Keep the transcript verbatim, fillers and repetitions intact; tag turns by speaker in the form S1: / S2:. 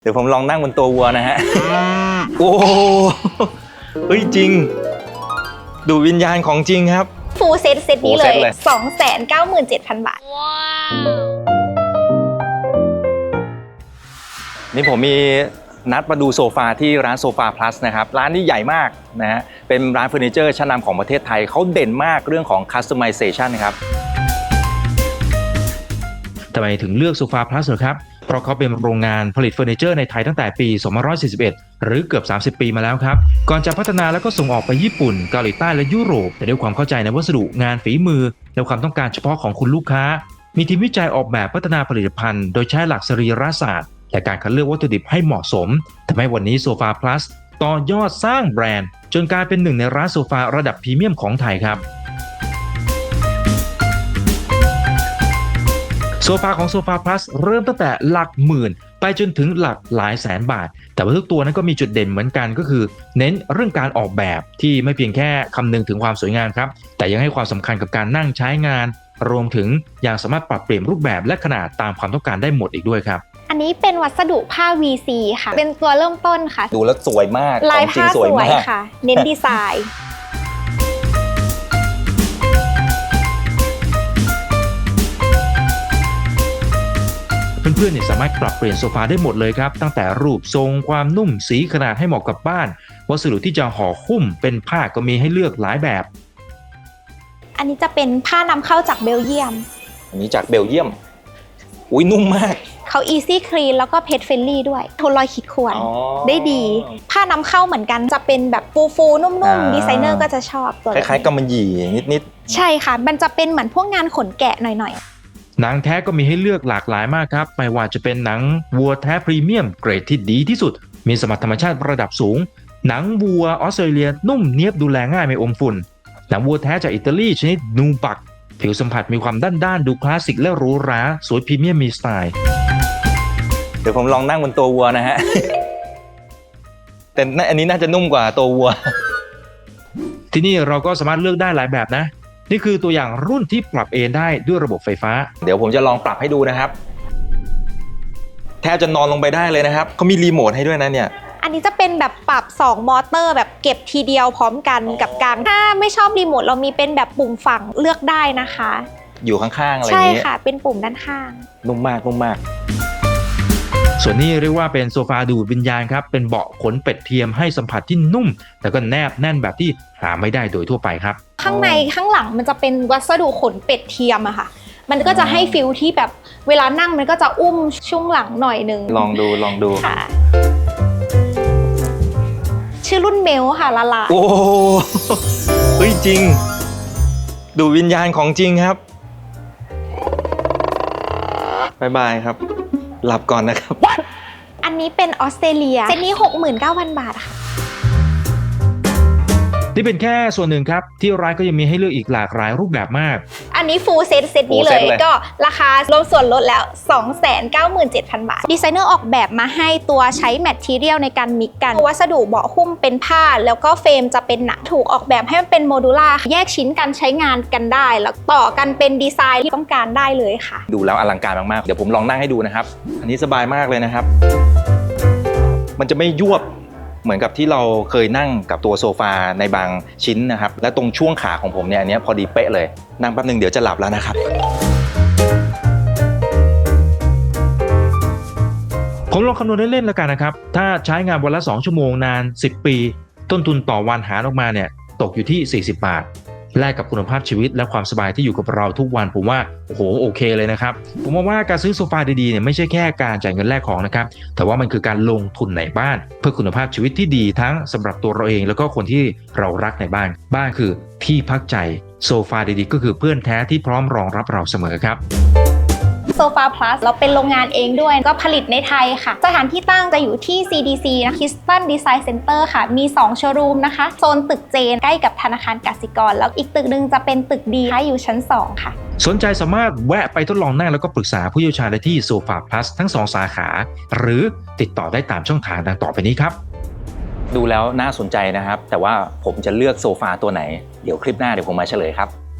S1: เดี๋ยวผมลองนั่งบนตัววัวนะฮะ โอ้เฮ้ยจริงดูวิญญาณของจริงครับ
S2: ฟูลเซตเซตนี้เลย สองแสนเก้าหมื่นเจ็ดพัน บาท
S1: นี่ผมมีนัดมาดูโซฟาที่ร้านโซฟาพลัสนะครับร้านนี้ใหญ่มากนะฮะเป็นร้านเฟอร์นิเจอร์ชั้นนำของประเทศไทยเขาเด่นมากเรื่องของ customization ครับ
S3: ทำไมถึงเลือกโซฟาพลัสเหรอครับเพราะเขาเป็นโรงงานผลิตเฟอร์นิเจอร์ในไทยตั้งแต่ปี สองพันห้าร้อยสี่สิบเอ็ด หรือเกือบ สามสิบ ปีมาแล้วครับก่อนจะพัฒนาแล้วก็ส่งออกไปญี่ปุ่นเกาหลีใต้และยุโรปแต่ด้วยความเข้าใจในวัสดุงานฝีมือและความต้องการเฉพาะของคุณลูกค้ามีทีมวิจัยออกแบบพัฒนาผลิตภัณฑ์โดยใช้หลักสรีรศาสตร์และการคัดเลือกวัตถุดิบให้เหมาะสมทำให้วันนี้โซฟาพลัสต่อยอดสร้างแบรนด์จนกลายเป็นหนึ่งในร้านโซฟาระดับพรีเมียมของไทยครับโซฟาของโซฟาพลัสเริ่มตั้งแต่หลักหมื่นไปจนถึงหลักหลายแสนบาทแต่ว่าทุกตัวนั้นก็มีจุดเด่นเหมือนกันก็คือเน้นเรื่องการออกแบบที่ไม่เพียงแค่คำนึงถึงความสวยงามครับแต่ยังให้ความสำคัญกับการนั่งใช้งานรวมถึงยังสามารถปรับเปลี่ยนรูปแบบและขนาดตามความต้องการได้หมดอีกด้วยครับ
S2: อันนี้เป็นวัสดุผ้า วี ซี ค่ะเป็นตัวเริ่มต้นค่ะ
S1: ดูแล้วสวยมาก
S2: ลายผ้าสวยค่ะเน้นดีไซน์
S3: เพื่อนๆเนี่ยสามารถปรับเปลี่ยนโซฟาได้หมดเลยครับตั้งแต่รูปทรงความนุ่มสีขนาดให้เหมาะกับบ้านวัสดุที่จะห่อหุ้มเป็นผ้าก็มีให้เลือกหลายแบบ
S2: อันนี้จะเป็นผ้านำเข้าจากเบลเยียม
S1: อันนี้จากเบลเยียมอุ้ยนุ่มมาก
S2: เขา Easy Clean แล้วก็ Pet Friendly ด้วยทนรอยขีดข่วนได้ดีผ้านำเข้าเหมือนกันจะเป็นแบบฟูฟูนุ่มๆดีไซเนอร์ก็จะชอบตัว
S1: คล้ายๆกำมะหยี่นิด
S2: ๆใช่ค่ะมันจะเป็นเหมือนพวกงานขนแกะหน่อยๆ
S3: หนังแท้ก็มีให้เลือกหลากหลายมากครับไม่ว่าจะเป็นหนังวัวแท้พรีเมียมเกรดที่ดีที่สุดมีสมรรถธรรมชาติระดับสูงหนังวัวออสเตรเลียนุ่มเนียบดูแลง่ายไม่อมฝุ่นหนังวัวแท้จากอิตาลีชนิดนูบักผิวสัมผัสมีความด้านๆดูคลาสสิกและหรูหราสวยพรีเมียมมีสไตล์
S1: เดี๋ยวผมลองนั่งบนตัววัวนะฮะ แต่อันนี้น่าจะนุ่มกว่าตัววัว
S3: ที่นี่เราก็สามารถเลือกได้หลายแบบนะนี่คือตัวอย่างรุ่นที่ปรับเอนได้ด้วยระบบไฟฟ้า
S1: เดี๋ยวผมจะลองปรับให้ดูนะครับแทบจะนอนลงไปได้เลยนะครับเขามีรีโมทให้ด้วยนะเนี่ย
S2: อันนี้จะเป็นแบบปรับสองมอเตอร์แบบเก็บทีเดียวพร้อมกันกับกลางถ้าไม่ชอบรีโมทเรามีเป็นแบบปุ่มฝั่งเลือกได้นะคะ
S1: อยู่ข้างๆอะไรอย่างนี้
S2: ใช่ค่ะเป็นปุ่มด้านข้าง
S1: นุ่มมากนุ่มมาก
S3: ส่วนนี้เรียกว่าเป็นโซฟาดูดวิญญาณครับเป็นเบาะขนเป็ดเทียมให้สัมผัสที่นุ่มแล้วก็แนบแน่นแบบที่หาไม่ได้โดยทั่วไปครับ
S2: ข้างในข้างหลังมันจะเป็นวัสดุขนเป็ดเทียมอะค่ะมันก็จะให้ฟิลที่แบบเวลานั่งมันก็จะอุ้มช่วงหลังหน่อยนึง
S1: ลองดูลองดู
S2: ค่ะชื่อรุ่นเมลค่ะละลา
S1: โอ้เฮ้ยจริงดูวิญญาณของจริงครับบ๊ายบายครับหลับก่อนนะครับ
S2: อันนี้เป็นออสเตรเลียเซตนี้ หกหมื่นเก้าพัน บาทค่ะ
S3: นี่เป็นแค่ส่วนหนึ่งครับที่ร้านก็ยังมีให้เลือกอีกหลากหลายรูปแบบมาก
S2: อันนี้ฟูลเซตเซตนี้เลยก็ราคารวมส่วนลดแล้ว สองแสนเก้าหมื่นเจ็ดพัน บาทดีไซเนอร์ออกแบบมาให้ตัวใช้แมททีเรียลในการมิกกันวัสดุเบาะหุ้มเป็นผ้าแล้วก็เฟรมจะเป็นหนังถูกออกแบบให้มันเป็นโมดูล่าแยกชิ้นกันใช้งานกันได้แล้วต่อกันเป็นดีไซน์ที่ต้องการได้เลยค่ะ
S1: ดูแล้วอลังการมากๆเดี๋ยวผมลองนั่งให้ดูนะครับอันนี้สบายมากเลยนะครับมันจะไม่ยวบเหมือนกับที่เราเคยนั่งกับตัวโซฟาในบางชิ้นนะครับและตรงช่วงขาของผมเนี่ยอันนี้พอดีเป๊ะเลยนั่งแป๊บนึงเดี๋ยวจะหลับแล้วนะครับ
S3: ผมลองคำนวณเล่นๆแล้วกันนะครับถ้าใช้งานวันละสองชั่วโมงนานสิบปีต้นทุนต่อวันหารออกมาเนี่ยตกอยู่ที่สี่สิบบาทแลกกับคุณภาพชีวิตและความสบายที่อยู่กับเราทุกวันผมว่าโอ้โหโอเคเลยนะครับผมว่าการซื้อโซฟาดีๆเนี่ยไม่ใช่แค่การจ่ายเงินแลกของนะครับแต่ว่ามันคือการลงทุนในบ้านเพื่อคุณภาพชีวิตที่ดีทั้งสำหรับตัวเราเองแล้วก็คนที่เรารักในบ้านบ้านคือที่พักใจโซฟาดีๆก็คือเพื่อนแท้ที่พร้อมรองรับเราเสมอครับ
S2: โซฟาพลัสเราเป็นโรงงานเองด้วยก็ผลิตในไทยค่ะสถานที่ตั้งจะอยู่ที่ ซี ดี ซี นะ Kiston Design Center ค่ะมีสองโชว์รูมนะคะโซนตึกเจนใกล้กับธนาคารกสิกรแล้วอีกตึกนึงจะเป็นตึกดีอยู่ชั้นสองค่ะ
S3: สนใจสามารถแวะไปทดลองนั่งแล้วก็ปรึกษาผู้เชี่ยวชาญได้ที่โซฟาพลัสทั้งสองสาขาหรือติดต่อได้ตามช่องทางดังต่อไปนี้ครับ
S1: ดูแล้วน่าสนใจนะครับแต่ว่าผมจะเลือกโซฟาตัวไหนเดี๋ยวคลิปหน้าเดี๋ยวผมมาเฉลยครับ